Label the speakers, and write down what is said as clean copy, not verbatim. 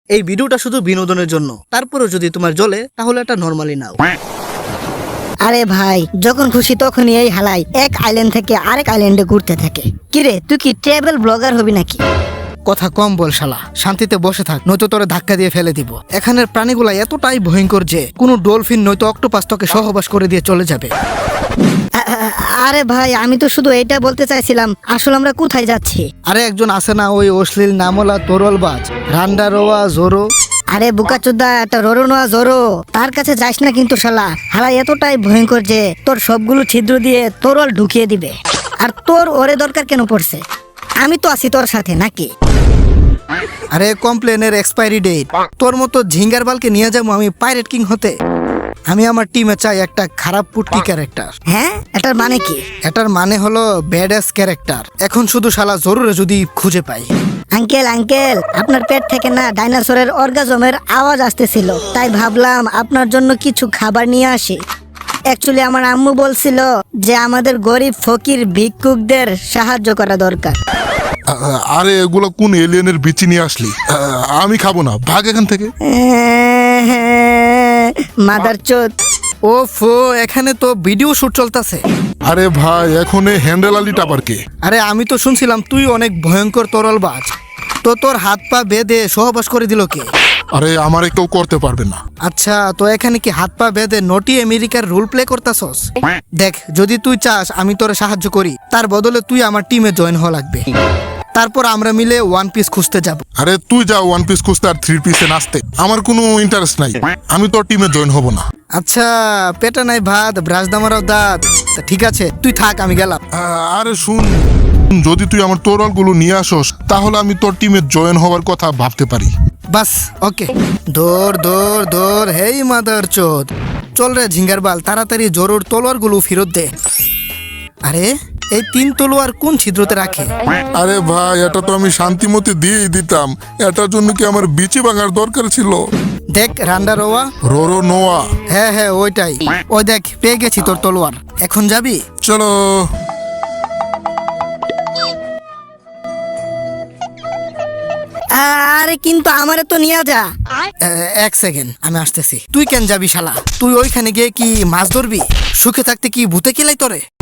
Speaker 1: এই ভিডিওটা শুধু বিনোদনের জন্য, তারপরেও যদি তোমার জ্বলে তাহলে এটা নরমালি নাও।
Speaker 2: আরে ভাই, যখন খুশি তখনই এই হালাই এক আইল্যান্ড থেকে আরেক আইল্যান্ডে ঘুরতে থাকে। কিরে, তুই কি ট্রাভেল ব্লগার হবি নাকি?
Speaker 1: কথা কম বল শালা, শান্তিতে বসে থাক, নয়তো তোরে ধাক্কা দিয়ে ফেলে দিব। এখানের প্রাণীগুলা এতটাই ভয়ঙ্কর যে কোনো ডলফিন নয়তো অক্টোপাস তোকে সহবাস করে দিয়ে চলে যাবে।
Speaker 2: আরে ভাই, আমি তো শুধু এটা বলতে চাইছিলাম, আসলে আমরা কোথায় যাচ্ছি?
Speaker 1: আরে একজন আছে না ওই অশ্লীল নামলা তরলবাজ, রান্ডারোয়া জোরো।
Speaker 2: আরে বুকাচোদা, একটা রোরো নোয়া জোরো, তার কাছে যাস না কিন্তু শালা। হালাই এতটাই ভয়ঙ্কর যে তোর সবগুলো ছিদ্র দিয়ে তরল ঢুকিয়ে দিবে। আর তোর ওরে দরকার কেন পড়ছে? আমি তো আছি তোর সাথে নাকি?
Speaker 1: আরে কমপ্লেনের এক্সপায়ারি ডেট। তোর মতো ঝিঙ্গার বালকে নিয়ে যাবো আমি পাইরেট কিং হতে? আমি আমার টিমে চাই একটা খারাপ পুটকি ক্যারেক্টার।
Speaker 2: হ্যাঁ, এটার মানে কি?
Speaker 1: এটার মানে হলো ব্যাডাস ক্যারেক্টার। এখন শুধু শালা জরুরে যদি খুঁজে পাই।
Speaker 2: আঙ্কেল আঙ্কেল, আপনার পেট থেকে না ডাইনোসরের অর্গাজমের আওয়াজ আসতেছিল, তাই ভাবলাম আপনার জন্য কিছু খাবার নিয়ে আসি। অ্যাকচুয়ালি আমার আম্মু বলছিল যে আমাদের গরিব ফকির ভিক্ষুকদের সাহায্য করা দরকার।
Speaker 3: আরে এগুলো কোন এলিয়েনের বিচি নিয়ে আসলি? আমি খাবো না, ভাগ এখান থেকে।
Speaker 2: মাদার চোদ।
Speaker 1: ওফো, এখানে তো ভিডিও শুট চলতেছে।
Speaker 3: আরে ভাই, এখন এই হ্যান্ডেল আলি টাপার কে?
Speaker 1: আরে আমি তো শুনছিলাম তুই অনেক ভয়ঙ্কর তরলবাজ, তো তোর হাত পা বেঁধে সহবাস করে দিল কে?
Speaker 3: আরে আমারে কেউ করতে পারবে না।
Speaker 1: আচ্ছা, তো এখানে কি হাত পা বেঁধে নটি আমেরিকার রোল প্লে করতাছস? দেখ, যদি তুই চাস আমি তোরে সাহায্য করি, তার বদলে তুই আমার টিমে জয়েন হওয়া লাগবে। তারপর আমরা মিলে ওয়ান পিস খুঁজতে যাব।
Speaker 3: আরে তুই যা ওয়ান পিস খুঁজতে আর থ্রি পিসে নাচতে, আমার কোনো ইন্টারেস্ট নাই। আমি তোর টিমে জয়েন হব না।
Speaker 1: আচ্ছা, পেটে নাই ভাত, ব্রাশ দামারাও দাঁত। তা ঠিক আছে, তুই থাক, আমি গেলাম।
Speaker 3: আরে শুন, যদি তুই আমার তোরলগুলো নিয়ে আসস তাহলে আমি তোর টিমে জয়েন হওয়ার কথা ভাবতে পারি।
Speaker 1: বাস, ওকে। দৌড় দৌড় দৌড়, হেই মাদার চোদ। চল রে ঝিঙ্গার বাল, তাড়াতাড়ি জরুর তলোয়ার গুলো ফেরত দে। আরে এই 3 তলোয়ার কোন ছিদ্রতে রাখে?
Speaker 3: আরে ভাই, এটা তো আমি শান্তিমতি দিয়েই দিতাম। এটার জন্য কি আমার বিচি ভাঙার দরকার ছিল?
Speaker 1: দেখ রান্ডারোয়া।
Speaker 3: রোরো নোয়া।
Speaker 1: হ্যাঁ হ্যাঁ, ওইটাই। ওই দেখ, পেয়ে গেছি তোর তলোয়ার। এখন যাবি?
Speaker 3: চলো।
Speaker 2: আরে কিন্তু আমারে তো নিয়ে যা।
Speaker 1: এক সেকেন্ড, আমি আসতেছি। তুই কেন যাবি শালা? তুই ওইখানে গিয়ে কি মাছ ধরবি? সুখে থাকতে কি ভূতে কেলাই তোরে?